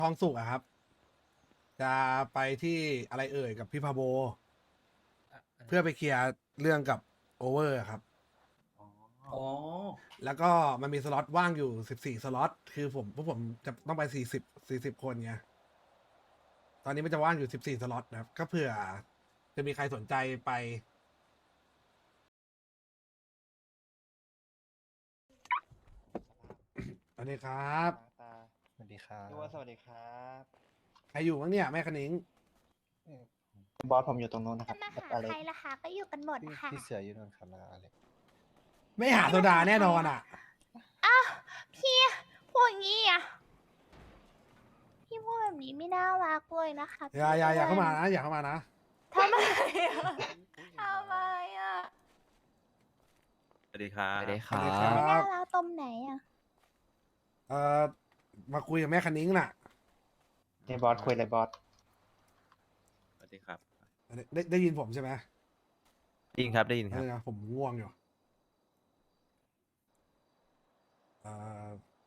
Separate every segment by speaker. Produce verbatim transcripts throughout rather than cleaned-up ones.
Speaker 1: ทองสุกอะครับ จะไปที่อะไรเอ่ยกับพี่พาโบ เพื่อไปเคลียร์เรื่องกับโอเวอร์ครับ
Speaker 2: อ๋อ
Speaker 1: แล้วก็มันมีสล็อตว่างอยู่สิบสี่สล็อต คือผมพวกผมจะต้องไปสี่สิบสี่สิบคนไง ตอนนี้มันจะว่างอยู่สิบสี่สล็อตนะครับ ก็เผื่อจะมีใครสนใจไป สวัสดีครับ
Speaker 3: ตา
Speaker 4: สวัสดีครับ
Speaker 3: พี่ว่าสวัสดีครับ
Speaker 1: ใครอยู่บ้างเนี่ยแม่คณิ้ง
Speaker 3: บอสผมอยู่ตรงนู้นนะค
Speaker 5: จะ
Speaker 3: รับ
Speaker 5: มา
Speaker 3: กับ
Speaker 5: หา
Speaker 3: อเล็
Speaker 5: ใคร
Speaker 3: ก
Speaker 5: ล่ะคะก็อยู่กันหมด
Speaker 4: พี่
Speaker 5: ค่ะ
Speaker 4: พี่เสืออยู่นู่นครับแล้วอะไร
Speaker 1: ไม่หาโซดาแน่นอนอ่ะ
Speaker 5: อ้าวพี่พูดอย่างนี้อ่ะพี่พูดแบบนี้ไม่น่ารักเลยนะคะ
Speaker 1: อย่าอย่าอย่าเข้ามา
Speaker 5: พี่
Speaker 1: นะ อย่าเข้ามานะ
Speaker 5: ทำไมอะทำไมอ่ะ
Speaker 6: สวัสดีครับ
Speaker 4: สวัสดีค
Speaker 1: สวัสดี
Speaker 4: รั
Speaker 1: ครับ
Speaker 5: ไม่น่ารักตรงไหนอ่ะ
Speaker 1: เอ่อ มาคุยกับแม่คณิ้งน่ะ
Speaker 3: นี่บอสคุยเลยบอส
Speaker 6: สวัสดีครับ
Speaker 1: ได้ได้ได้ยินผมใช่ไหม
Speaker 6: ได้ยินครับ ได้ยินค
Speaker 1: เอ
Speaker 6: รับ
Speaker 1: อผมง่วงอยู่เอ่อ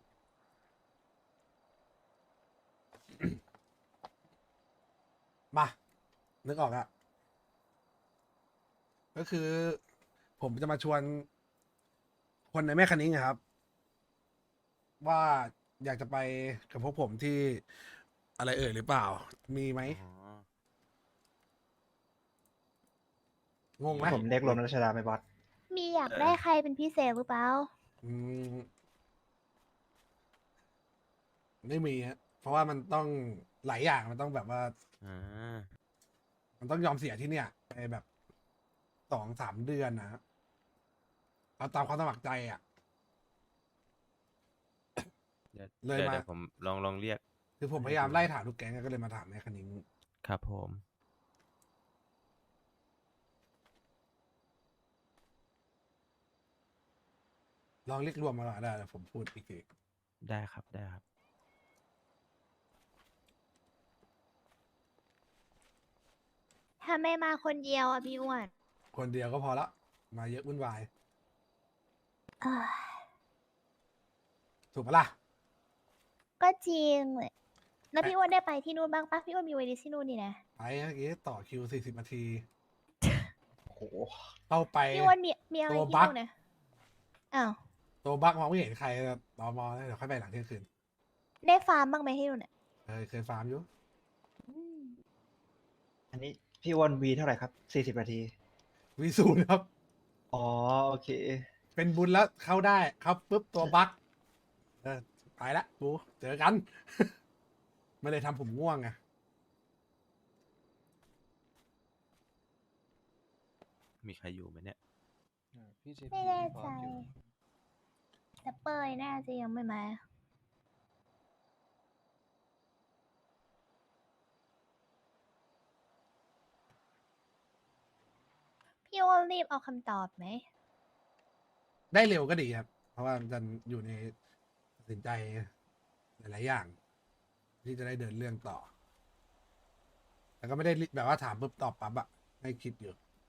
Speaker 1: มา นึกออกอะก็คือ ผมจะมาชวน คนในแม่คันนิ้งอะครับ ว่าอยากจะไปกับพวกผมที่อะไรเอ่ยหรือเปล่า มีไหม
Speaker 6: อ๋อ
Speaker 1: งงไหม
Speaker 3: ผมเรียกรวมรัชดาไหมบอส
Speaker 5: มีอยาก
Speaker 6: เออ
Speaker 5: ได้ใครเป็นพิเศษหรือเปล่า
Speaker 1: อืม ไม่มีฮะเพราะว่ามันต้องหลายอย่างมันต้องแบบว่า
Speaker 6: อ่า
Speaker 1: มันต้องยอมเสียที่เนี่ยไปแบบสองสามเดือนนะฮะเอาตามความสมัครใจอ่ะ
Speaker 6: เดี๋ยว
Speaker 1: เลย
Speaker 6: เดี๋ยว
Speaker 1: มา
Speaker 6: เดี๋ยวผมลองลองเรียก
Speaker 1: คือผมพยายามไล่ถามทุกแก๊งก็เลยมาถามแม่คณิ้ง
Speaker 6: ครับผม
Speaker 1: ลองเรียกรวมมาก่อนได้แล้วผมพูดอีกที
Speaker 6: ได้ครับ ได้ครับ
Speaker 5: ถ้าไม่มาคนเดียวอ่ะพี่อ้วน
Speaker 1: คนเดียวก็พอละ มาเยอะวุ่นวาย
Speaker 5: เอ้ย
Speaker 1: ถูกปะล่ะ
Speaker 5: ก็จริงเลยแล้วพี่อ้วนได้ไปที่นู่นบ้างปะพี่อ้วนมีเวทีที่นู่นนี่นะ
Speaker 1: ไปเมื่อกี้ต่อคิวสี่สิบนาที
Speaker 3: โอ้โห
Speaker 1: เข้าไป
Speaker 5: พี่อ้วนมีมีอะไร
Speaker 1: ตัว
Speaker 5: ที่
Speaker 1: บั๊ก
Speaker 5: นู่นนะอ้าว
Speaker 1: ตัวบักมองไม่เห็นใครรอมอเดี๋ยวค่อยไปหลังเที่ยงคืน
Speaker 5: ได้ฟาร์มบ้างไหมที่นู่นน่ะ
Speaker 1: เคยเคยฟาร์มอยู่
Speaker 5: อืม
Speaker 3: อันนี้พี่อ้วนวีเท่าไหร่ครับสี่สิบนาที
Speaker 1: วีศูนย์ครับ
Speaker 3: อ๋อ โอเค
Speaker 1: เป็นบุญแล้วเข้าได้เข้าปุ๊บตัวบักเออไปละกูเจอกัน ไม่เลยทำผมง่วงไง
Speaker 6: มีใครอยู่ไหมเนี่ย
Speaker 4: พี่เจ
Speaker 5: ไม่
Speaker 4: พี่
Speaker 5: แน่
Speaker 4: พร้
Speaker 5: ใจ
Speaker 4: อมอยู่
Speaker 5: แต่เปยน่าจะยังไม่มา พี่อ้วนรีบเอาคำตอบไหม
Speaker 1: ได้เร็วก็ดีครับ เพราะว่ามันจะอยู่ในตัดสินใจหลายๆอย่าง ที่จะได้เดินเรื่องต่อ แต่ก็ไม่ได้รีบแบบว่าถามปุ๊บตอบปั๊บอะให้คิดอยู่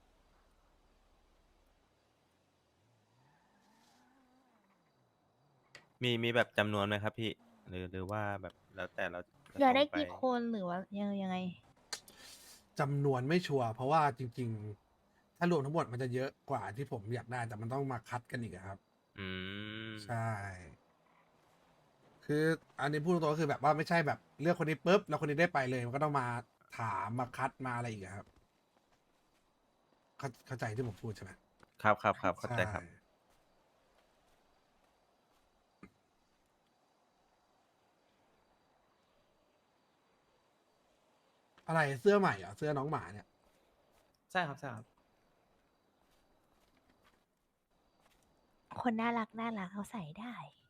Speaker 6: มีมีแบบจำนวนไหมครับพี่ หรือหรือว่าแบบแล้วแต่เราจะ
Speaker 5: อยากได้
Speaker 6: ส่งป
Speaker 5: กี่คนหรือว่ายังยังไง
Speaker 1: จำนวนไม่ชัวร์เพราะว่าจริง ๆ ถ้ารวมทั้งหมดมันจะเยอะกว่าที่ผมอยากได้ แต่มันต้องมาคัดกันอีกอะครับ
Speaker 6: อืม
Speaker 1: ใช่ คืออันนี้พูดตรงๆก็คือแบบว่าไม่ใช่แบบเลือกคนนี้ปุ๊บแล้วคนนี้ได้ไปเลย มันก็ต้องมาถามมาคัดมาอะไรอีกอะครับ เข้าเข้าใจที่ผมพูดใช่ไหม
Speaker 6: ครับครับครับเข้าใจครับ
Speaker 1: ช่อะไรเสื้อใหม่เหรอเสื้อน้องหมาเนี่ย
Speaker 2: ใช่ครับใช่ครับ
Speaker 5: คนน่ารักน่ารักเขาใส่ได้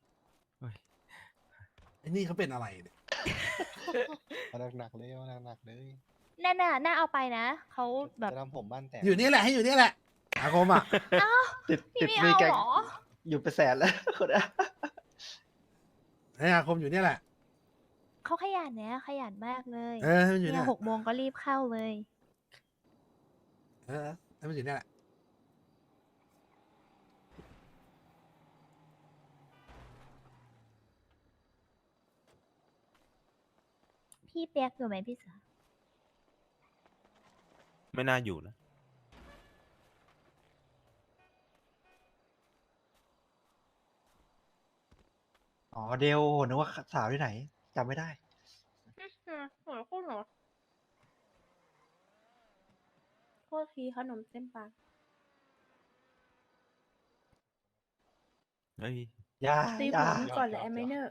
Speaker 1: ไอ้นี่เขาเป็นอะไรเนี่ย
Speaker 4: เอาหนักๆเลยเอาหนักๆเลย
Speaker 5: น่าน่าน่าเอาไปนะ เขาแบบ
Speaker 4: จะทำผมบ้านแตก
Speaker 1: อยู่นี่แหละให้อยู่นี่แหละอาคมอ่ะ
Speaker 3: ติด
Speaker 5: พี่
Speaker 3: ติด
Speaker 5: ไม่
Speaker 3: วี
Speaker 5: เอา
Speaker 3: แกง
Speaker 5: เหรอ
Speaker 3: อยู่ไปแสนแล้ว คนอะ
Speaker 1: ให้อาคมอยู่นี่แหละ
Speaker 5: เขาขยันเนี่ยขยันมากเลย
Speaker 1: เออให้มันอยู่
Speaker 5: เนี่
Speaker 1: นี่
Speaker 5: ย
Speaker 1: แห
Speaker 5: ห
Speaker 1: ละ
Speaker 5: กโมงก็รีบเข้าเลย
Speaker 1: เออให้มันอยู่นี่แหละ
Speaker 5: พี่เปียกอยู่ไหมพี่เสือ
Speaker 6: ไม่น่าอยู่นะ
Speaker 3: อ๋อเดลนึกว่าสาวที่ไหนจำไม่ได้
Speaker 7: หัวคุณเหรอโทษทีขนมเส้นปลา
Speaker 6: เฮ้ย
Speaker 3: อย่า
Speaker 7: ตี
Speaker 3: อย่า
Speaker 7: ผมก่อนเลยไอ้ไมเนอร์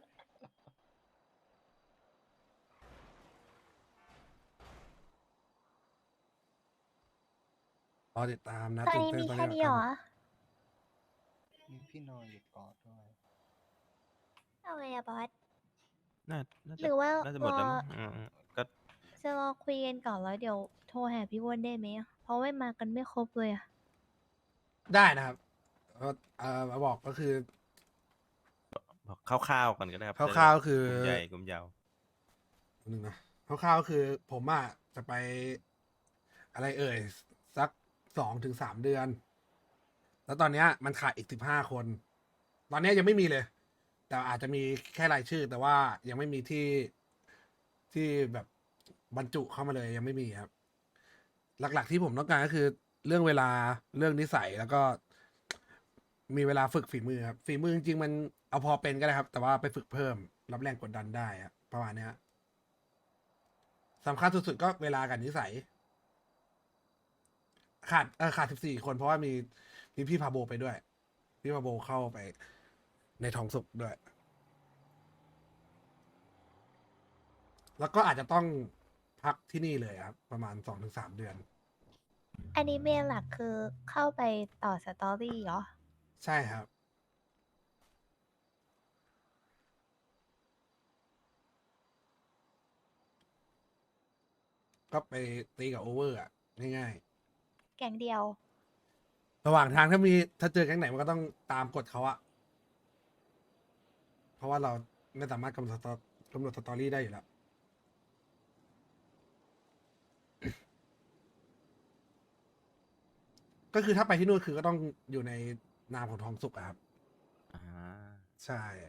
Speaker 1: รอติดตามนะ
Speaker 5: ตอน
Speaker 1: ตื่น
Speaker 5: นี้
Speaker 1: เต้น
Speaker 5: มี
Speaker 1: ตอน
Speaker 5: แค่
Speaker 1: นี้
Speaker 5: นี้เหรอ
Speaker 4: มีพี่นอนอยู่กอดด้วย
Speaker 5: เอาไงอะบอส
Speaker 6: น่าน่า
Speaker 5: ห
Speaker 6: จะ
Speaker 5: รือว่า
Speaker 6: น่าจะหมดแล้ว
Speaker 5: รอ
Speaker 6: มั้งอืมอืมก็
Speaker 5: จะรอคุยกันก่อนแล้วเดี๋ยวโทรหาพี่อ้วนได้ไหมอะเพราะว่ามากันไม่ครบเลยอะ
Speaker 1: ได้นะครับก็เอ่อมาบอกก็คือ
Speaker 6: บอกคร่าวๆกันก็ได้ครับ
Speaker 1: คร่าวๆคือ
Speaker 6: กลุ่มใหญ่กลุ่มยาว
Speaker 1: หนึ่งนะคร่าวๆก็คือผมอ่ะจะไปอะไรเอ่ย สักสองถึงสามเดือน แล้วตอนเนี้ยมันขาดอีกสิบห้าคน ตอนเนี้ยยังไม่มีเลย แต่อาจจะมีแค่รายชื่อ แต่ว่ายังไม่มีที่ที่แบบบรรจุเข้ามาเลยยังไม่มีครับ หลักๆที่ผมต้องการก็คือเรื่องเวลาเรื่องนิสัยแล้วก็ มีเวลาฝึกฝีมือครับฝีมือจริงๆมันเอาพอเป็นก็ได้ครับ แต่ว่าไปฝึกเพิ่มรับแรงกดดันได้ครับประมาณเนี้ยสำคัญสุดๆก็เวลากับนิสัย ขาดเออขาดสิบสี่คนเพราะว่ามีมีพี่พาโบไปด้วย พี่พาโบเข้าไปในทองสุกด้วย แล้วก็อาจจะต้องพักที่นี่เลยครับ ประมาณสองถึงสามเดือน
Speaker 5: อันนี้เมนหลักคือเข้าไปต่อสตอรี่เหรอ
Speaker 1: ใช่ครับ ก็ไปตีกับโอเวอร์อ่ะ ง่ายๆ
Speaker 5: แก๊งเดียว
Speaker 1: ระหว่างทางถ้ามีถ้าเจอแก๊งไหนมันก็ต้องตามกฎเขาอะเพราะว่าเราไม่สามารถกำหนดสตอกำหนดสตอรี่ได้อยู่แล้ว ก็คือถ้าไปที่นู่นคือก็ต้องอยู่ในนามของทองสุกอะครับ
Speaker 6: อ่า
Speaker 1: ใช่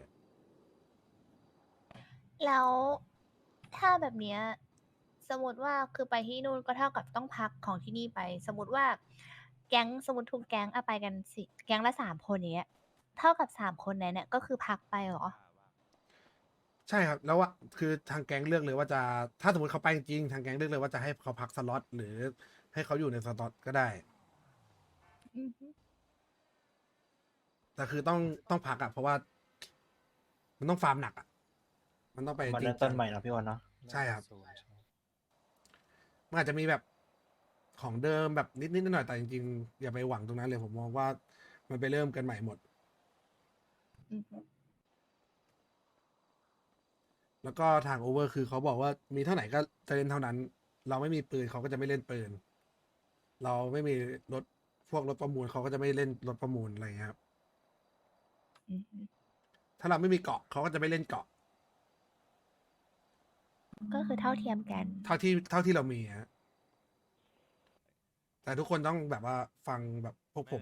Speaker 5: แล้วถ้าแบบเนี้ยสมมติว่าคือไปที่นู่นก็เท่ากับต้องพักของที่นี่ไป สมมติว่า แก๊งสมมติทุกแก๊งเอาไปกันสิแก๊งละสามคนอย่างเงี้ย เท่ากับสามคนนั้นเนี่ยก็คือพักไปเหรอ
Speaker 1: ใช่ครับ แล้วว่าคือทางแก๊งเลือกเลยว่าจะถ้าสมมติเขาไปจริงๆทางแก๊งเลือกเลยว่าจะให้เขาพักสล็อตหรือให้เขาอยู่ในสล็อตก็ได้
Speaker 5: อือฮึ
Speaker 1: แต่คือต้องต้องพักอะเพราะว่า มันต้องฟาร์มหนักอะมันต้องไป
Speaker 3: มา
Speaker 1: จริ
Speaker 3: เริ่
Speaker 1: ง
Speaker 3: ม
Speaker 1: จั
Speaker 3: ต้น
Speaker 1: ง
Speaker 3: ใหม่เนาะพี่วันเนาะ
Speaker 1: ใช่ครับ
Speaker 4: ศูนย์ใช่
Speaker 1: มันอาจจะมีแบบของเดิมแบบนิดๆหน่อยๆแต่จริงๆอย่าไปหวังตรงนั้นเลยผมมองว่ามันไปเริ่มกันใหม่หมด
Speaker 5: อือฮึ
Speaker 1: แล้วก็ทางโอเวอร์คือเขาบอกว่ามีเท่าไหร่ก็จะเล่นเท่านั้น เราไม่มีปืนเขาก็จะไม่เล่นปืน เราไม่มีรถพวกรถประมูลเขาก็จะไม่เล่นรถประมูลอะไรอย่างเงี้ยครับ
Speaker 5: อือฮึ
Speaker 1: ถ้าเราไม่มีเกาะเขาก็จะไม่เล่นเกาะ
Speaker 5: ก็คือเท่าเทียมกัน
Speaker 1: เท่าที่เท่าที่เรามีฮะแต่ทุกคนต้องแบบว่าฟังแบบพวกผม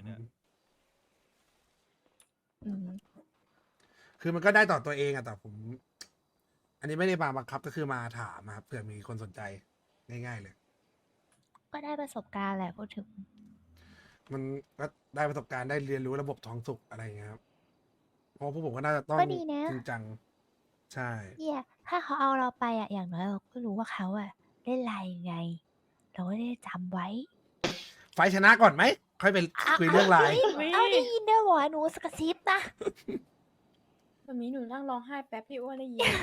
Speaker 5: อืม
Speaker 1: คือมันก็ได้ต่อตัวเองอะแต่ผม อันนี้ไม่ได้มาบังคับก็คือมาถามอะครับเผื่อมีคนสนใจง่ายๆเลย
Speaker 5: ก็ได้ประสบการณ์แหละพูดถึง
Speaker 1: มันก็ได้ประสบการณ์ได้เรียนรู้ระบบท้องสุกอะไรอย่างเงี้ยครับเพราะพวกผมก็น่าจะต้อง
Speaker 5: ก็ดีนะ
Speaker 1: จริงจัง ใช่
Speaker 5: เนี่ยถ้าเขาเอาเราไปอ่ะอย่างน้อยเราก็รู้ว่าเขาอ่ะเล่นอะไรยังไง เราก็ได้จำไว้
Speaker 1: ไฟล์ชนะก่อนไหม ค่อยไปคุยเรื่องไลน์
Speaker 7: อุ๊ย
Speaker 5: เอาได้ยินด้วยเหรอหนูสกซิปนะ
Speaker 7: แบบนี้หนูนั่งร้องไห้แป๊บพี่อ้วนได้ยิน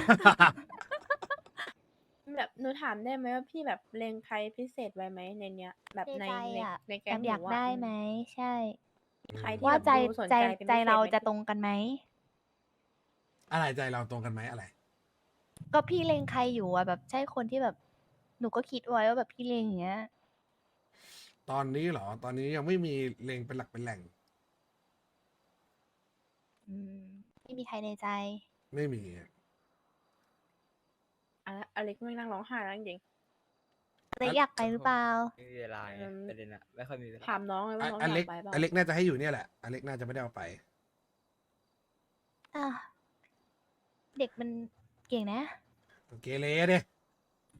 Speaker 7: แบบหนูถามได้ไหมว่าพี่แบบเลงใครพิเศษไว้ไหมในเนี้ย แบบ
Speaker 5: ใน
Speaker 7: ใน
Speaker 5: ใจ
Speaker 7: ใน
Speaker 5: อ่ะ
Speaker 7: ในแก๊
Speaker 5: แอง ม
Speaker 7: ห
Speaker 5: อยาก
Speaker 7: นูะ
Speaker 5: ได้
Speaker 7: อื
Speaker 5: ไหมใช่
Speaker 7: ใครที่
Speaker 5: ว่า
Speaker 7: แบบ
Speaker 5: ใจ
Speaker 7: ดูสน
Speaker 5: ใจ
Speaker 7: ใจเป็น
Speaker 5: ใจ
Speaker 7: พิเศษ
Speaker 5: เรา
Speaker 7: ไหม
Speaker 5: จะ
Speaker 7: พี่
Speaker 5: ตรงกันไหม
Speaker 1: อะไรใจเราตรงกันไหมอะไร
Speaker 5: ก็พี่เลงใครอยู่อ่ะแบบใช่คนที่แบบ หนูก็คิดไว้ว่าแบบพี่เลงอย่างเงี้ย
Speaker 1: ตอนนี้เหรอ ตอนนี้ยังไม่มีเลงเป็นหลักเป็นแหล่ง
Speaker 5: อืมไม่มีใครในใจ
Speaker 1: ไม่มี
Speaker 7: อะอเล็กไม่นั่งร้องไห้แล้วจริง
Speaker 5: เลยอยากไปหรือเปล่า
Speaker 2: ไม่มีเวลาไง
Speaker 7: อืม
Speaker 2: ประเด็นอะไม่ค่อยมีเวลา
Speaker 7: ๆถามน้องเลยว่าน้อง
Speaker 1: อ
Speaker 7: อ
Speaker 1: เล็
Speaker 7: ยาก
Speaker 1: ก
Speaker 7: ไปเปล่า
Speaker 1: อเล็กน่าจะให้อยู่เนี่ยแหละอเล็กน่าจะไม่ได้เอาไป
Speaker 5: อ่ะเด็กมันเก่งนะ
Speaker 1: เกเรเด้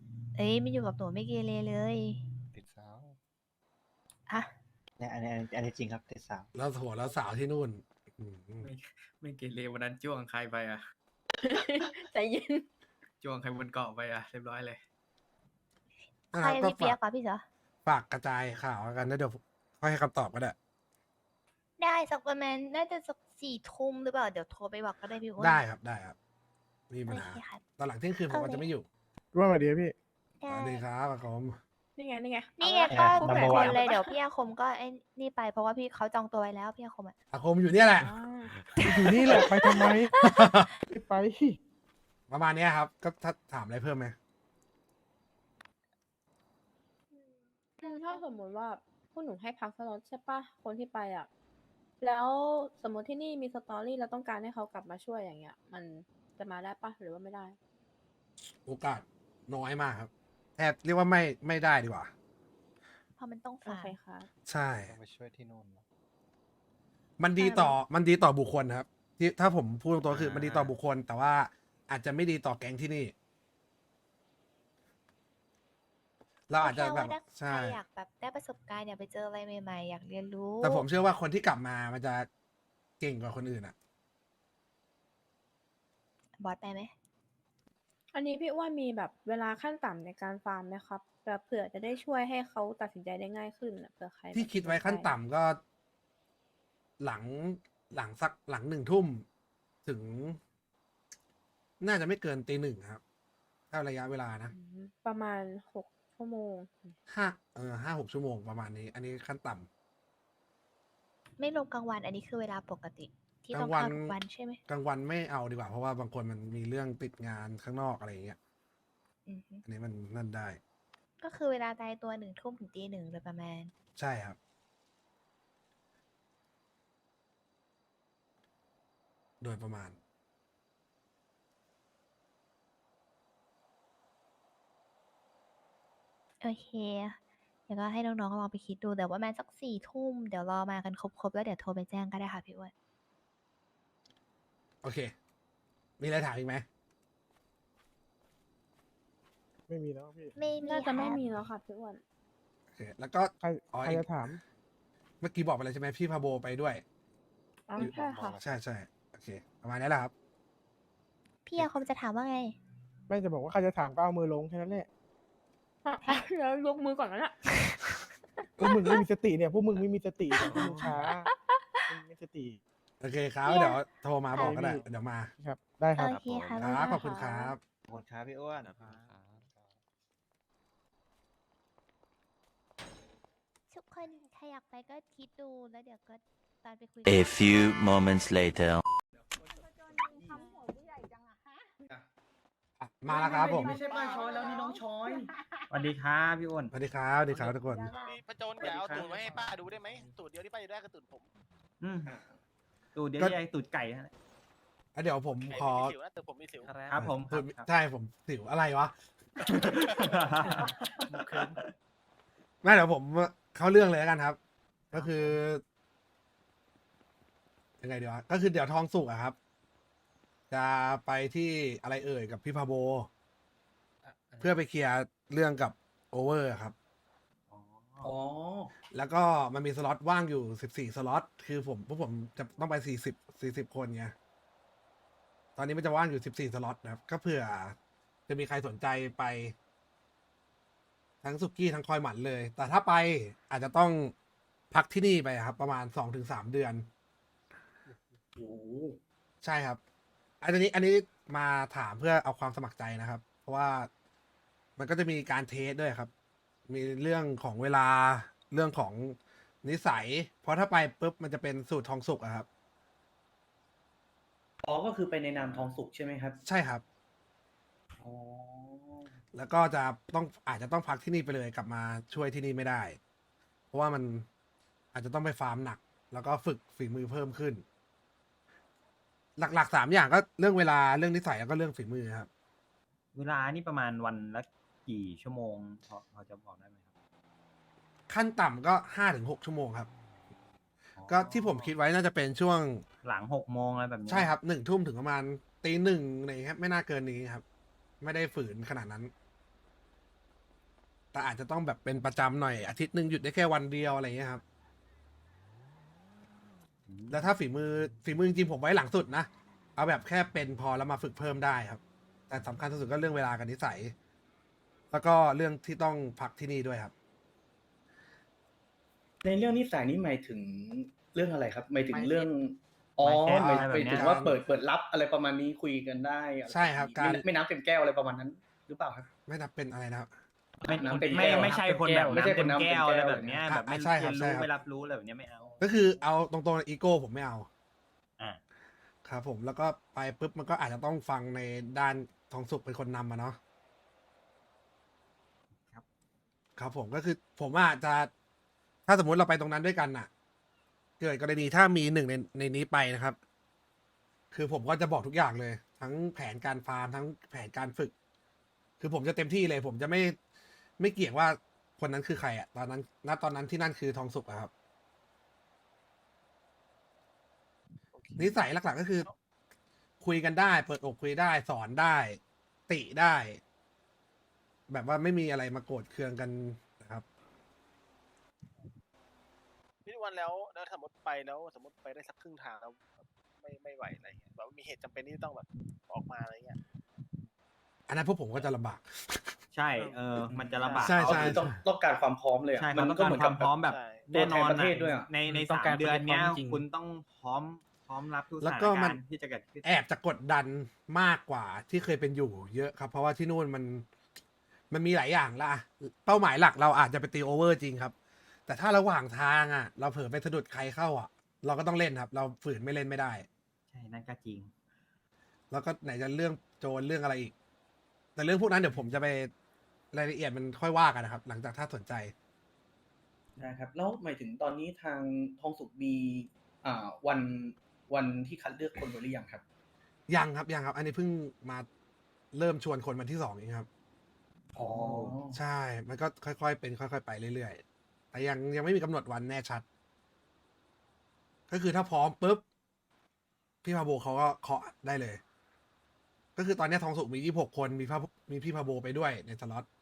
Speaker 5: อ้ยไม่อยู่กับหนูไม่เกเรเลย
Speaker 4: ติดสาว
Speaker 5: อะ
Speaker 3: เนี่ยอันนี้อันนี้อันนี้จริงครับติดสาว
Speaker 1: แล้วโหแล้วสาวที่นู่นอืม
Speaker 2: ไม่ไม่เกเรวันนั้นจ้วงใครไปอ่ะ
Speaker 7: ใจเย็น
Speaker 2: จ้วงใครบนเกาะไปอ่ะเรียบร้อยเลย
Speaker 1: นะ
Speaker 5: ใค
Speaker 1: ค
Speaker 5: ร
Speaker 1: รับก็
Speaker 5: พี่เปีย
Speaker 1: ฝาก ก
Speaker 5: กว่าพี่เสือ
Speaker 1: ฝากกระจายข่าวกันนะเดี๋ยวค่อยให้คำตอบก็ได้
Speaker 5: ได้สักประมาณน่าจะสักสี่ทุ่มหรือเปล่าเดี๋ยวโทรไปบอกก็ได้พี่อ้วน
Speaker 1: ได้ครับได้ครับไมมีปัญ
Speaker 5: โอ
Speaker 1: หา
Speaker 5: เคครับ
Speaker 1: ตอนหลังเที่ยงคืนผม
Speaker 5: โอ
Speaker 1: ก็
Speaker 5: เค
Speaker 1: จะไม่อยู่
Speaker 8: ร่วมมาดีพี่
Speaker 1: สวัสดีครับผม
Speaker 7: นี่ไงนี่ไง
Speaker 5: นี่ไง
Speaker 7: เอา
Speaker 5: ก็
Speaker 7: ละ
Speaker 5: ทุก
Speaker 3: number
Speaker 5: คน
Speaker 3: one
Speaker 5: เลยเดี๋ยวพี่อาคมก็ไอ้นี่ไปเพราะว่าพี่เขาจองตัวไว้แล้วพี่อาคมอ่ะ
Speaker 1: อาคมอยู่เนี่ยแหละ
Speaker 7: อ่า
Speaker 8: อยู่นี่แหละไปทำไม ไม่ไป
Speaker 1: ประมาณเนี้ยครับ ก็ถ้าถามอะไรเพิ่มไหม
Speaker 7: อืมถ้าสมมติว่าพวกหนูให้พักสล็อตใช่ปะคนที่ไปอ่ะ แล้วสมมติที่นี่มีสตอรี่เราต้องการให้เขากลับมาช่วยอย่างเงี้ย มันจะมาได้ปะหรือว่าไม่ได้
Speaker 1: โอกาสน้อยมากครับแทบเรียกว่าไม่ไม่ได้ดีกว่า
Speaker 5: เพราะมันต้อง
Speaker 7: โอ
Speaker 5: ฝาก
Speaker 7: เคค่ะ
Speaker 1: ใช่
Speaker 4: ต้องไปช่วยที่นู่นเหรอ
Speaker 1: มันดีต่อมันดีต่อบุคคลครับ ที่ถ้าผมพูดตรงๆคือ
Speaker 2: อ่ามั
Speaker 1: มันดีต่อบุคคล แต่ว่าอาจจะไม่ดีต่อแก๊งที่นี่ เราอาจจะ
Speaker 5: ก็
Speaker 1: แบ
Speaker 5: ค่
Speaker 1: บ
Speaker 5: ว่าถ้า
Speaker 1: ใช่
Speaker 5: ใครอยากแบบได้ประสบการณ์อยากไปเจออะไรใหม่ๆอยากเรียนรู้
Speaker 1: แต่ผมเชื่อว่าคนที่กลับมามันจะเก่งกว่าคนอื่นอ่ะ
Speaker 5: บอสไปไหม
Speaker 7: อันนี้พี่อ้วนมีแบบเวลาขั้นต่ำในการฟาร์มไหมครับแบบเผื่อจะได้ช่วยให้เขาตัดสินใจได้ง่ายขึ้นน่ะเผื่อใคร
Speaker 1: ที่
Speaker 7: แบบ
Speaker 1: คิดไว้
Speaker 7: สนใจ
Speaker 1: ขั้นต่ำก็ หลังหลังสักหลังหนึ่งทุ่มถึง น่าจะไม่เกินตีหนึ่งครับ ถ้าระยะเวลานะ
Speaker 7: อืมประมาณหกชั่วโมง
Speaker 1: ห้าเออห้าหกชั่วโมงประมาณนี้ อันนี้ขั้นต่ำ
Speaker 5: ไม่รวมกลางวันอันนี้คือเวลาปกติ ที่
Speaker 1: ก
Speaker 5: ต้
Speaker 1: ลา
Speaker 5: อง
Speaker 1: งวัน
Speaker 5: เข้าทุกวันใช่ไหม
Speaker 1: กลางวันไม่เอาดีกว่า เพราะว่าบางคนมันมีเรื่องติดงานข้างนอกอะไรอย่างเงี้ย
Speaker 5: อือฮึ
Speaker 1: อันนี้มันนั่นได้
Speaker 5: ก็คือเวลาตายตัวหนึ่งทุ่มถึงตีหนึ่งโดยประมาณ
Speaker 1: ใช่ครับ โดยประมาณ
Speaker 5: โอเค เดี๋ยวก็ให้น้องๆลองไปคิดดูแต่ว่าประมาณสักสี่ทุ่มเดี๋ยวรอมากันครบๆแล้วเดี๋ยวโทรไปแจ้งก็ได้ค่ะพี่อ้วน
Speaker 1: โอเค มีอะไรถามอีกไหม
Speaker 8: ไม่มีแล้วพี่
Speaker 5: ไม่มี
Speaker 7: น่าจะไม่
Speaker 5: ครับ
Speaker 7: มีแล้วค่ะพี่อ้วน
Speaker 1: โอเค แล้วก็
Speaker 8: ใคร
Speaker 1: อ๋อ
Speaker 8: ใคร
Speaker 1: อีก
Speaker 8: จะถาม
Speaker 1: เมื่อกี้บอกไปแล้วใช่ไหมพี่พาโบไปด้วย
Speaker 7: อ๋อใช่ค่ะ
Speaker 1: ใช่ใช่โอเค ประมาณนี้แหละครับ
Speaker 5: พี่อาคมจะถามว่าไง
Speaker 8: ไม่จะบอกว่าใครจะถามก็เอามือลงแค่นั้นแหละ
Speaker 7: แล้วยกมือก่อนแล้วน่ะ
Speaker 8: พวกมึงไม่มีสติเนี่ย พวกมึงไม่มีสติเนี่ยพวกมึงช้ามึงไม่มีสติ
Speaker 1: โอเคครับ
Speaker 5: เนี่ย
Speaker 1: เดี๋ยวโทรมาบอกก็ได้
Speaker 8: ค่ะ
Speaker 1: เดี๋ยวมา
Speaker 8: ครับ ได้ครับ
Speaker 5: โอเคค่ะ
Speaker 1: ค
Speaker 5: บ๊าย
Speaker 1: รับ
Speaker 5: บาย
Speaker 1: ขอบคุณครับ
Speaker 3: ขอบคุณครับพี่อ้วน
Speaker 5: ทุกคนใครอยากไปก็คิดดูแล้วเดี๋ยวก็ตอนไปคุย
Speaker 9: A few moments later.
Speaker 1: อ่ะมาแล้วครับผม
Speaker 2: ไม่ใช่ป้าช้อยแล้วนี่น้องช้อยสวัสดีครับพี่อ้วน
Speaker 1: สวัสดีครับสวัสดีครับทุกคน
Speaker 10: พี่ประโจนอย่าเอาตูดมาให้ป้าดูได้ไหมตูดเดียวที่ป้าจะได้คือตูดผม
Speaker 2: อืมตูดเดี๋ยว
Speaker 1: ก็
Speaker 2: แยกตูดไก่ฮะ
Speaker 1: อ่ะเดี๋ยวผม
Speaker 10: ไอ้
Speaker 1: ขอ
Speaker 10: ไม่มีสิวนะแต่ผมมีสิว
Speaker 2: ครับผมค
Speaker 1: พู
Speaker 2: รั
Speaker 1: ด
Speaker 2: บครับ
Speaker 1: ใช่ผมสิวอะไรวะ ไม่เดี๋ยวผมเข้าเรื่องเลยแล้วกันครับ ก็คือยังไงดีวะก็คือเดี๋ยวทองสุกอะครับ จะไปที่อะไรเอ่ยกับพี่พาโบ เพื่อไปเคลียร์เรื่องกับโอเวอร์ครับ
Speaker 2: อ๋อ
Speaker 1: แล้วก็มันมีสล็อตว่างอยู่สิบสี่สล็อต คือผมพวกผมจะต้องไปสี่สิบสี่สิบคนไง ตอนนี้มันจะว่างอยู่สิบสี่สล็อตนะครับ ก็เผื่อจะมีใครสนใจไป ทั้งสุกี้ทั้งคอยหมันเลย แต่ถ้าไปอาจจะต้องพักที่นี่ไปครับ ประมาณสองถึงสามเดือน
Speaker 2: โอ้
Speaker 1: ใช่ครับ อันนี้อันนี้มาถามเพื่อเอาความสมัครใจนะครับ เพราะว่ามันก็จะมีการเทสด้วยครับ มีเรื่องของเวลาเรื่องของนิสัย เพราะถ้าไปปุ๊บมันจะเป็นสูตรทองสุกอะครับ
Speaker 2: อ๋อก็คือไปในนามทองสุกใช่ไหมครับ
Speaker 1: ใช่ครับ
Speaker 2: อ๋อ
Speaker 1: แล้วก็จะต้องอาจจะต้องพักที่นี่ไปเลยกลับมาช่วยที่นี่ไม่ได้ เพราะว่ามันอาจจะต้องไปฟาร์มหนัก แล้วก็ฝึกฝีมือเพิ่มขึ้น หลักๆสามอย่างก็เรื่องเวลาเรื่องนิสัยแล้วก็เรื่องฝีมือครับ
Speaker 2: เวลานี่ประมาณวันละกี่ชั่วโมงพอพอจะบอกได้ไหมครับ
Speaker 1: ขั้นต่ำก็ห้าถึงหกชั่วโมงครับ ก็ที่ผมคิดไว้น่าจะเป็นช่วง
Speaker 2: หลังหกโมงอะไรแบบนี้
Speaker 1: ใช่ครับหนึ่งทุ่มถึงประมาณตีหนึ่งอะไรอย่างเงี้ยครับไม่น่าเกินนี้ครับ ไม่ได้ฝืนขนาดนั้นแต่อาจจะต้องแบบเป็นประจำหน่อยอาทิตย์หนึ่งหยุดได้แค่วันเดียวอะไรเงี้ยครับ แล้วถ้าฝีมือฝีมือจริงๆผมไว้หลังสุดนะเอาแบบแค่เป็นพอแล้วมาฝึกเพิ่มได้ครับ แต่สำคัญที่สุดก็เรื่องเวลากับนิสัย แล้วก็เรื่องที่ต้องพักที่นี่ด้วยครับ
Speaker 11: ในเรื่องนิสัยนี้หมายถึงเรื่องอะไรครับหมายถึงเรื่องอ๋อ
Speaker 2: mindset
Speaker 11: หมาย
Speaker 2: อะไรแบบ
Speaker 11: หมาย
Speaker 2: เนี้ย
Speaker 11: ถึงว่าเปิดเปิดรับอะไรประมาณนี้คุยกันได้อะไ
Speaker 1: ใช่ครับ
Speaker 11: ปะมณนี้
Speaker 1: การ
Speaker 11: ไม่ไม่น้ำเต็มแก้วอะไรประมาณนั้น หรือเปล่าครับ
Speaker 1: ไม่นับเป็นอะไรนะครับ
Speaker 2: ไม่
Speaker 11: น้ำเต็ม
Speaker 2: ไม่
Speaker 11: แก้ว
Speaker 2: ไม่ใช่คนแบบ
Speaker 11: ไม่ใช่
Speaker 2: น้ำเต็ม
Speaker 11: คนน้ำเต็ม
Speaker 2: แก้วอะไร
Speaker 11: แก้ว
Speaker 2: แบบเนี้ย
Speaker 1: อ่ะ
Speaker 2: แบบไม่
Speaker 1: ใช่ครั
Speaker 2: เรี
Speaker 1: บ
Speaker 2: ยน
Speaker 1: ใช่
Speaker 2: รู้
Speaker 1: ครับ
Speaker 2: ไม่รับรู้อะไรแบบเนี้ยไม่เอา
Speaker 1: ก็คือเอาตรงๆอีโก้ผมไม่เอา
Speaker 2: อ่า
Speaker 1: ครับผมแล้วก็ไปปุ๊บมันก็อาจจะต้องฟังในด้านทองสุกเป็นคนนำมาเนาะ
Speaker 2: ครับ
Speaker 1: ครับผมก็คือผมอาจจะถ้าสมมุติเราไปตรงนั้นด้วยกันน่ะ เกิดกรณีถ้ามีหนึ่งในในนี้ไปนะครับ คือผมก็จะบอกทุกอย่างเลย ทั้งแผนการฟาร์มทั้งแผนการฝึก คือผมจะเต็มที่เลย ผมจะไม่ไม่เกี่ยงว่าคนนั้นคือใครอะตอนนั้นณตอนนั้นที่นั่นคือทองสุกอะครับ นิสัยหลักๆก็คือ คุยกันได้ เปิดอกคุยได้ สอนได้ ติได้ แบบว่าไม่มีอะไรมาโกรธเคืองกันนะครับ
Speaker 10: พี่วันแล้วแล้วสมมติไปแล้วสมมติไปได้สักครึ่งทางแล้วแบบไม่ไม่ไหวอะไรเงี้ยแบบว่ามีเหตุจำเป็นที่ต้องแบบออกมาอะไรเงี้ย
Speaker 1: อันนั้นพวกผมก็จะลำบาก
Speaker 2: ใช่เออมันจะลำบาก
Speaker 1: ใช่
Speaker 11: อ๋อ
Speaker 1: ใช่
Speaker 11: คือต้องต้องการความพร้อมเลยอะ
Speaker 2: ใช่
Speaker 11: มั
Speaker 2: เขาต้อง
Speaker 11: ก็
Speaker 2: การ
Speaker 11: เหมือน
Speaker 2: ค
Speaker 11: กั
Speaker 2: วา
Speaker 11: บ
Speaker 2: มพร้อมแบบ
Speaker 10: ใช่
Speaker 2: แน่นอน
Speaker 11: ตัวแทนประเทศด้วยอะ
Speaker 2: ในใน
Speaker 8: ต้อ
Speaker 2: สาง ม
Speaker 8: การ
Speaker 2: เดือนเนี้ย
Speaker 8: ความจริง
Speaker 2: คุณต้องพร้อมพร้อมรับทุกส
Speaker 1: แล้ว
Speaker 2: ถาน
Speaker 1: ก็มั
Speaker 2: กาน รณ์ที่จะเกิดขึ้น
Speaker 1: แอบจะกดดันมากกว่าที่เคยเป็นอยู่เยอะครับ เพราะว่าที่นู่นมันมันมีหลายอย่างละ เป้าหมายหลักเราอาจจะไปตีโอเวอร์จริงครับ แต่ถ้าระหว่างทางอ่ะ เราเผลอไปสะดุดใครเข้าอ่ะ เราก็ต้องเล่นครับ เราฝืนไม่เล่นไม่ได้
Speaker 2: ใช่นั่นก็จริง
Speaker 1: แล้วก็ไหนจะเรื่องโจรเรื่องอะไรอีก แต่เรื่องพวกนั้นเดี๋ยวผมจะไปรายละเอียดมันค่อยว่ากันนะครับ หลังจากถ้าสนใจ
Speaker 11: นะครับแล้วหมายถึงตอนนี้ทางทองสุกมีอ่าวันวันที่คัดเลือกคนไว้หรือยังครับ
Speaker 1: ยังครับยังครับ อันนี้เพิ่งมาเริ่มชวนคนวันที่สองเองครับ
Speaker 11: อ๋อ
Speaker 1: ใช่ มันก็ค่อยๆ เป็นค่อยๆ ไปเรื่อยๆ แต่ยังยังไม่มีกำหนดวันแน่ชัด ก็คือถ้าพร้อมปุ๊บ พี่พาโบเขาก็เคาะได้เลย ก็คือตอนนี้ทองสุกมียี่สิบหกคน มีพามีพี่พาโบไปด้วยในสล็อต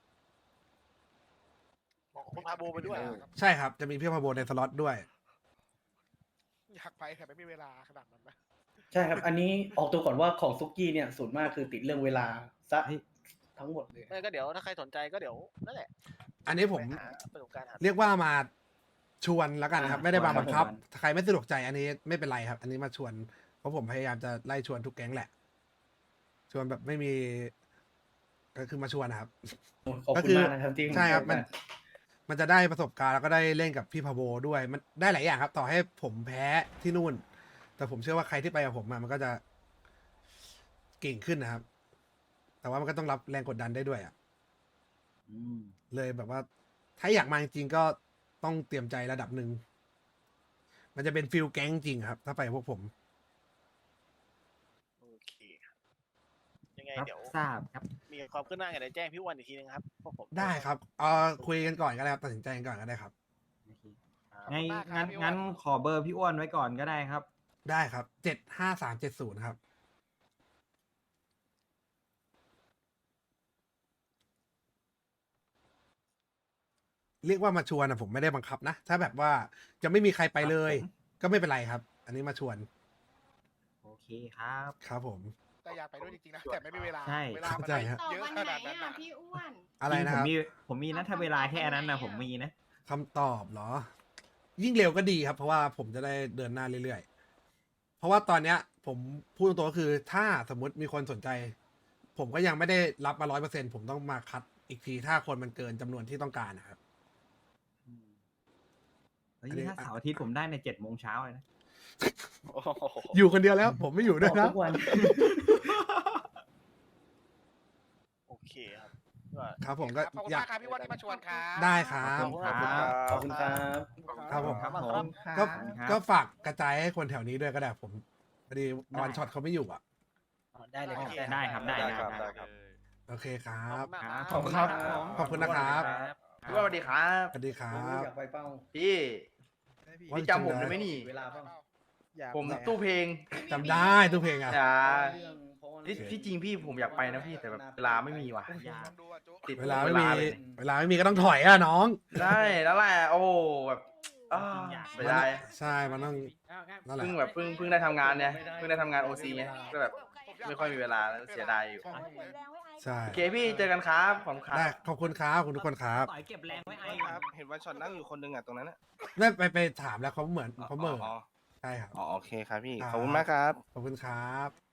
Speaker 10: บอกคุณพาโบไปด้วย
Speaker 1: ใช่ครับ จะมีพี่พาโบในสล็อตด้วย
Speaker 10: อยากไปแต่ไม่มีเวลาขนาดนั้นนะ
Speaker 11: ใช่ครับ อันนี้ออกตัวก่อนว่าของซุกี้เนี่ยส่วนมากคือติดเรื่องเวลาซะ
Speaker 2: เฮ้ย
Speaker 11: ทั้งหมดเลย
Speaker 10: ไม่ก็เดี๋ยวถ้าใครสนใจก็เดี๋ยวนั่นแหละ
Speaker 1: อันนี้ผม
Speaker 10: ไปหาประสบการณ์หา
Speaker 1: เรียกว่ามาชวนแล้วกันครับ
Speaker 2: อ่า
Speaker 1: ไม่ได้มาบังคับ
Speaker 2: ชวน
Speaker 1: ใครไม่สะดวกใจอันนี้ไม่เป็นไรครับ อันนี้มาชวน เพราะผมพยายามจะไล่ชวนทุกแก๊งแหละ ชวนแบบไม่มี ก็คือมาชวนนะครับ
Speaker 11: ขอบ
Speaker 1: ก็
Speaker 11: คุ
Speaker 1: คื
Speaker 11: ณ
Speaker 1: อ
Speaker 11: มากนะครับที่
Speaker 1: ใช่ครับ
Speaker 11: ให้
Speaker 1: มัน
Speaker 11: โอกาส
Speaker 1: มันจะได้ประสบการณ์แล้วก็ได้เล่นกับพี่พาโบด้วย มันได้หลายอย่างครับ ต่อให้ผมแพ้ที่นู่น แต่ผมเชื่อว่าใครที่ไปกับผมอะมันก็จะเก่งขึ้นนะครับ แต่ว่ามันก็ต้องรับแรงกดดันได้ด้วยอะ
Speaker 2: อืม
Speaker 1: เลยแบบว่า ถ้าอยากมาจริงๆก็ต้องเตรียมใจระดับหนึ่ง มันจะเป็นฟิลแก๊งจริงครับ ถ้าไปกับพวกผม
Speaker 10: โอเคครับยังไง
Speaker 2: รับ
Speaker 10: เดี๋ยว
Speaker 2: ทราบครับ
Speaker 10: มีความขึ้นหน้าไงเดี๋ยวแจ้งพี่วันอีกทีนึงครับพวกผม
Speaker 1: ได้ครับเอ่อคุยกันก่อนก็ได้ครับ ตัดสินใจกันก่อนก็ได้ครับ
Speaker 10: ขอบ
Speaker 2: งั้น
Speaker 10: คุณมากครับ
Speaker 2: งั้น
Speaker 10: พี่
Speaker 2: งั้น
Speaker 10: อ้วน
Speaker 2: ขอเบอร์พี่อ้วนไว้ก่อนก็ได้ครับ
Speaker 1: ได้ครับ เจ็ดห้าสามเจ็ดศูนย์ครับ เรียกว่ามาชวนนะผมไม่ได้บังคับนะ ถ้าแบบว่าจะไม่มีใครไปเลย
Speaker 2: ครับผม
Speaker 1: ก็ไม่เป็นไรครับ อันนี้มาชวน
Speaker 2: โอเคครับ
Speaker 1: ครับผม
Speaker 10: แต่อยากไปด้วยจริงๆนะแต่ไม่มีเวลา
Speaker 2: ใช่
Speaker 10: เวลามัน
Speaker 1: เข้าใจฮะ
Speaker 10: เยอะขนาดนั้นนะ
Speaker 7: พี่อ้วน
Speaker 1: อะไร
Speaker 2: จง
Speaker 1: นะ
Speaker 2: ผ
Speaker 1: ค
Speaker 2: ม
Speaker 1: รับ
Speaker 2: มีผมมีนะถ้าเวลาแค่นั้นนะผมมีนะ
Speaker 1: คำตอบเหรอ ยิ่งเร็วก็ดีครับ เพราะว่าผมจะได้เดินหน้าเรื่อยๆ เพราะว่าตอนเนี้ย ผมพูดตรงๆก็คือ ถ้าสมมุติมีคนสนใจ ผมก็ยังไม่ได้รับมาร้อยเปอร์เซ็นผมต้องมาคัดอีกทีถ้าคนมันเกินจำนวนที่ต้องการนะครับ
Speaker 2: เฮ้ย
Speaker 1: อันนี้
Speaker 2: ถ้าเสาร์อาทิตย์ผมได้ในเจ็ดโมงเช้าเลยนะ
Speaker 10: โอ้โห
Speaker 1: อยู่คนเดียวแล้ว ผมไม่อยู่ด้วย
Speaker 11: อ
Speaker 1: นะ
Speaker 11: อกทุกวัน
Speaker 10: โอเคครับก็
Speaker 1: ครับผมก็
Speaker 10: ขอบคุณ
Speaker 1: อยาก
Speaker 10: มากครับพี่วันที่มาชวนครับ
Speaker 1: ได้ครับ
Speaker 10: ขอบคุณครับ
Speaker 11: ขอบคุณครับ
Speaker 1: ครับผม
Speaker 2: ครับผม
Speaker 1: ก็
Speaker 2: ครับ
Speaker 1: ก็ฝากกระจายให้คนแถวนี้ด้วยก็ได้ผมพอดีวันช็อตเขาไม่อยู่อ่ะ
Speaker 4: ได้เลยครับ
Speaker 2: ได้ครับได้ได้
Speaker 4: ครับ
Speaker 2: ได้
Speaker 4: ได้ครับ
Speaker 1: โอเคครั
Speaker 10: ขอบบ คุณมาก
Speaker 2: ครับ
Speaker 10: ครับ
Speaker 8: ขอบคุณครับ
Speaker 1: ขอบคุณนะครับ
Speaker 4: พี่ว่าสวัสดีครับ
Speaker 1: สวัสดีครั
Speaker 11: ผม
Speaker 1: บ
Speaker 11: อยากไปเป้า
Speaker 4: พี่
Speaker 1: ว่า
Speaker 4: พี่จำผมได้ไหมนี่
Speaker 11: เวลาเป้า
Speaker 4: ผมตู้เพลง
Speaker 1: จำได้ทุกเพลงอ่ะ
Speaker 4: อ่า
Speaker 11: เรื่องเพราะว่า
Speaker 1: นี่ที่
Speaker 3: ที่จริงพี่ผมอยากไปนะพี่แต่แบบเวลาไม่มีว่ะ
Speaker 2: อย่า
Speaker 3: ติด
Speaker 1: เวลาไม่มี
Speaker 3: เลย
Speaker 1: เวลาไม่มีก็ต้องถอยอ่ะน้อง
Speaker 3: ได้แล้วแหละโอ้โหแบบอ้า
Speaker 2: อยาก
Speaker 3: เสียดาย
Speaker 1: ใช่มันต้องนั่นแหละ
Speaker 3: เพิ่งแบบเพิ่งเพิ่งได้ทำงานเนี่ยเพิ่งได้ทำงานโอซีไงก็แบบไม่ค่อยมีเวลาแล้วเสียดายอยู่
Speaker 1: ใช่
Speaker 3: โอเคพี่เจอกันครับขอบคุณครับ
Speaker 1: ได้ขอบคุณครับขอบคุณทุกคนครับ
Speaker 2: ต่อยเก็บแรงไว้ไอ้
Speaker 10: ครับ เห็นวันช็อตนั่งอยู่คนหนึงอ่ะตรงนั้นอ่ะ
Speaker 1: ได้ไปไปถามแล้วเขาเหมือนเขาเหมือน
Speaker 10: อ๋อ
Speaker 1: ใช่ครับ
Speaker 10: อ๋อโอเคครับพี่
Speaker 1: ครับ
Speaker 10: ขอบคุณมากครับ
Speaker 1: ขอบคุณครับ